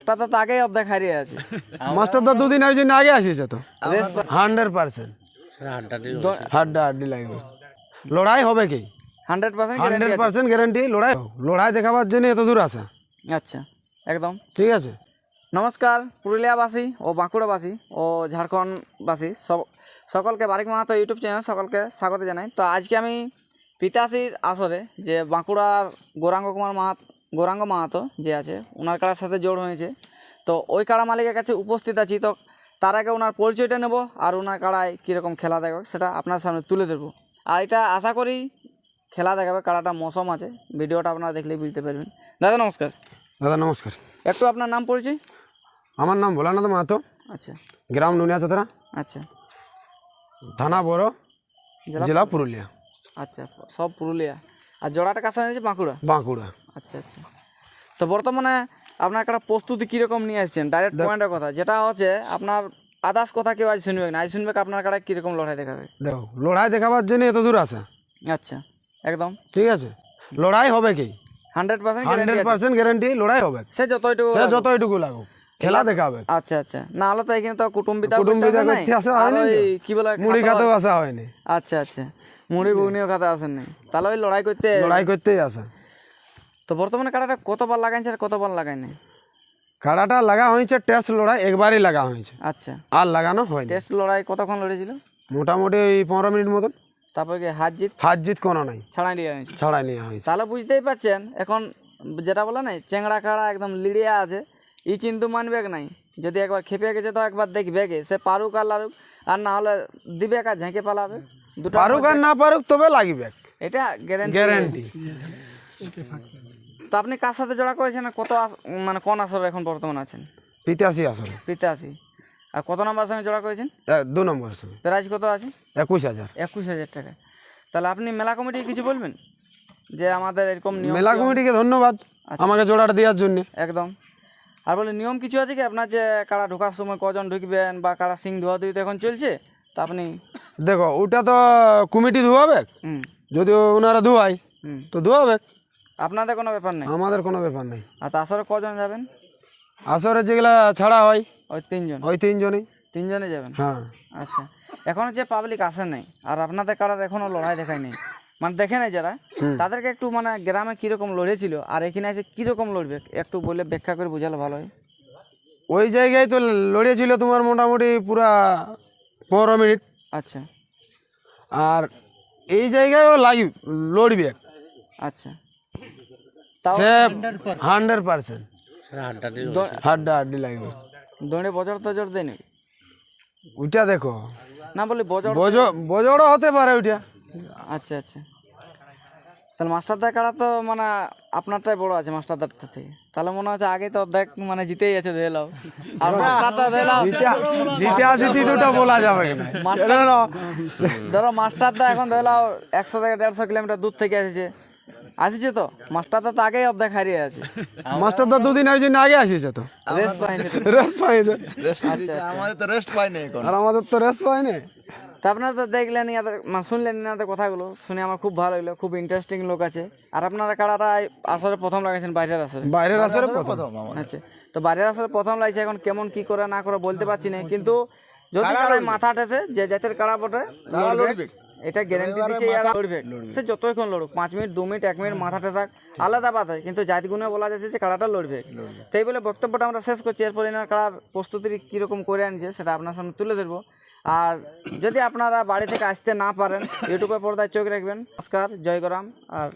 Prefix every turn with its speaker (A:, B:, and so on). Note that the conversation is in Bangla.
A: তাতে তো আগেই অর্ধেক হারিয়ে আছে।
B: মাস্টারদা দুদিন ওই জন্য আগে আসিছে তো 100% হাড্ডাহাড্ডি লাগবে, লড়াই হবে কি
A: 100%
B: 100% গ্যারান্টি। লড়াই দেখাবার জন্য এত দূর আসা।
A: আচ্ছা, একদম
B: ঠিক আছে।
A: নমস্কার পুরুলিয়াবাসী ও বাঁকুড়াবাসী ও ঝাড়খণ্ডবাসী সকলকে বারিক মাহাতো ইউটিউব চ্যানেল সকলকে স্বাগত জানাই। তো আজকে আমি পিতাশ্রীর আসরে যে বাঁকুড়ার গৌরাঙ্গ মাহাতো যে আছে ওনার কাড়ার সাথে জোড় হয়েছে, তো ওই কাড়া মালিকের কাছে উপস্থিত আছি। তো তার আগে ওনার পরিচয়টা নেব আর ওনার কাড়ায় কীরকম খেলা দেখাবে সেটা আপনার সামনে তুলে ধরবো। আর এটা আশা করি খেলা দেখাবে, কাড়াটা মৌসুম আছে, ভিডিওটা আপনারা দেখলেই বুঝতে পারবেন। দাদা নমস্কার।
B: দাদা নমস্কার।
A: একটু আপনার নাম পরিচয়।
B: আমার নাম ভোলানাথ মাহাতো,
A: আচ্ছা
B: গ্রাম নুনিয়া চতরা,
A: আচ্ছা,
B: থানা বড়, জেলা পুরুলিয়া।
A: আচ্ছা, সব পুরুলিয়া। আর জোড়াটা কাছে আছে বাঁকুড়া।
B: বাঁকুড়া।
A: আচ্ছা আচ্ছা। তো বর্তমানে আপনার একটা প্রস্তুতি কীরকম নিয়ে আসছেন? ডাইরেক্ট পয়েন্টের কথা যেটা হচ্ছে আপনার আদার্স কথা কেউ আজ শুনবে না, আজ শুনবে আপনার কাছে কীরকম লড়াই দেখাবে।
B: দেখো লড়াই দেখাবার জন্য এত দূর আসা।
A: আচ্ছা, একদম
B: ঠিক আছে। লড়াই হবে কি
A: 100%
B: গ্যারান্টি, লড়াই হবে।
A: সে
B: যতটুকু লাগুক খেলা দেখাবে।
A: আচ্ছা আচ্ছা, না হলে তো এখানে তো কুটুম্বিতা
B: করতে আসা হয়নি,
A: কি বলে
B: মুড়ি খাতেও আসা হয়নি।
A: আচ্ছা আচ্ছা, মুড়ি ঘুগনিও খাতে আসেন নাই, তাহলে ওই লড়াই
B: করতেই আসা।
A: তো বর্তমানে কাড়াটা কতবার লাগাইছে আর কতবার লাগাই নাই?
B: কাড়াটা লাগা হয়েছে টেস্ট লড়াই একবারই লাগা হয়েছে,
A: আচ্ছা,
B: আর লাগানো হয়নি।
A: টেস্ট লড়াই কতক্ষণ লড়েছিল?
B: মোটামুটি ওই 15 মিনিট মতন।
A: তারপরে কি হার জিত
B: কোনো নাই,
A: ছাড়াই দেওয়া হয়েছে।
B: ছাড়াই নেওয়া হয়েছে।
A: তাহলে বুঝতেই পারছেন এখন যেটা বলে নাই চেংড়া কাড়া একদম লিড়িয়া আছে, ই কিন্তু মানবে নাই। যদি একবার খেপে গেছে তো একবার দেখবে গে, সে পারুক আর লারুক, আর না হলে দিবে আর ঝেঁকে পালাবে। দুটো
B: পারুক আর না পারুক তবে লাগবে,
A: এটা
B: গ্যারান্টি।
A: তো আপনি কার সাথে জোড়া করেছেন আর মানে কোন আসরে এখন বর্তমান আছেন?
B: 85 আসলে।
A: 85। আর কত নম্বর সঙ্গে জোড়া করেছেন?
B: 2 নম্বর সঙ্গে।
A: প্রাইজ কত আছে?
B: 21,000।
A: 21,000 টাকা। তাহলে আপনি মেলা কমিটি কিছু বলবেন যে আমাদের এরকম নিয়ম?
B: মেলা কমিটিকে ধন্যবাদ আমাকে জোড়াটা দেওয়ার জন্য।
A: একদম। আর বলে নিয়ম কিছু আছে কি আপনার, যে কাড়া ঢোকার সময় কজন ঢুকবেন বা কাড়া সিং ধোয়া ধুই তো এখন চলছে, তা আপনি
B: দেখো ওটা তো কমিটি ধোয়াবে, যদি ওনারা ধোয়ায় তো ধোয়াবে,
A: আপনাদের কোনো ব্যাপার নেই?
B: আমাদের কোনো ব্যাপার নেই।
A: আর আসরে কজন যাবেন?
B: আসরে যেগুলা ছাড়া হয়
A: ওই 3 জন।
B: ওই 3 জনই।
A: 3 জনে যাবেন?
B: হ্যাঁ।
A: আচ্ছা, এখনো যে পাবলিক আসে নাই আর আপনাদের কাড়ার এখনো লড়াই দেখায় নেই, মানে দেখে নাই যারা, তাদেরকে একটু মানে গ্রামে কীরকম লড়েছিল আর এখানে এসে কীরকম লড়বে একটু বলে ব্যাখ্যা করে বোঝালে ভালো হয়।
B: ওই জায়গায় তো লড়িয়েছিল তোমার মোটামুটি পুরা 15 মিনিট।
A: আচ্ছা।
B: আর এই জায়গায়ও লড়বে।
A: আচ্ছা, তাও
B: 100% হাড্ডাহাড্ডি লাগবে।
A: দৌড়ে বজর তজর দেয় নাকি?
B: ওইটা দেখো
A: না বলি
B: বজড়ও হতে পারে ওইটা।
A: আচ্ছা আচ্ছা, তাহলে মাস্টারদার কাড়া তো মানে আপনারটাই বড় আছে মাস্টারদার থেকে, তাহলে মনে হচ্ছে আগে তো দেখ মানে জিতেই আছে ধরে লাও। আর মাস্টারদা ধরে লাও
B: জিতি দুটো বলা যাবে না।
A: ধরো মাস্টারদা এখন ধরে লাও 100 থেকে 150 কিলোমিটার দূর থেকে আসিছে তো মাস্টারদা তো আগেই অর্ধেক হারিয়ে আছে।
B: মাস্টারদা দুদিন ওই জন্য আগে আসিছে তো
A: রেস্ট পাইছে।
B: আচ্ছা, আমাদের তো রেস্ট পাইনি এখন। আর আমাদের তো রেস্ট পাইনি।
A: তা আপনারা তো দেখলেন শুনলেন ইনাদের কথাগুলো, শুনে আমার খুব ভালো লাগলো, খুব ইন্টারেস্টিং লোক আছে। আর আপনারা কাড়াটা আসলে প্রথম লাগাইছেন বাইরের আসরে?
B: প্রথম।
A: আচ্ছা, তো বাইরের আসরে প্রথম লাগছে, এখন কেমন কি করে না করে বলতে পারছি না, কিন্তু যদি কাড়ায় মাথা ঠেসে যে জাতের কাড়া বটে লড়বে, এটা গ্যারান্টি দিচ্ছে লড়বে। সে যতক্ষণ লড়ুক 5 মিনিট 2 মিনিট 1 মিনিট মাথা ঠেসাক আলাদা বাধা, কিন্তু জাত গুণে বলা যাচ্ছে যে কাড়াটা লড়বে। তাই বলে বক্তব্যটা আমরা শেষ করছি। এরপর এনার কাড়ার প্রস্তুতি কীরকম করে আনছে সেটা আপনার সামনে তুলে ধরবো। আর যদি আপনারা বাড়ি থেকে আসতে না পারেন ইউটিউবে পর্দায় চোখ রাখবেন। নমস্কার, জয় গরাম। আর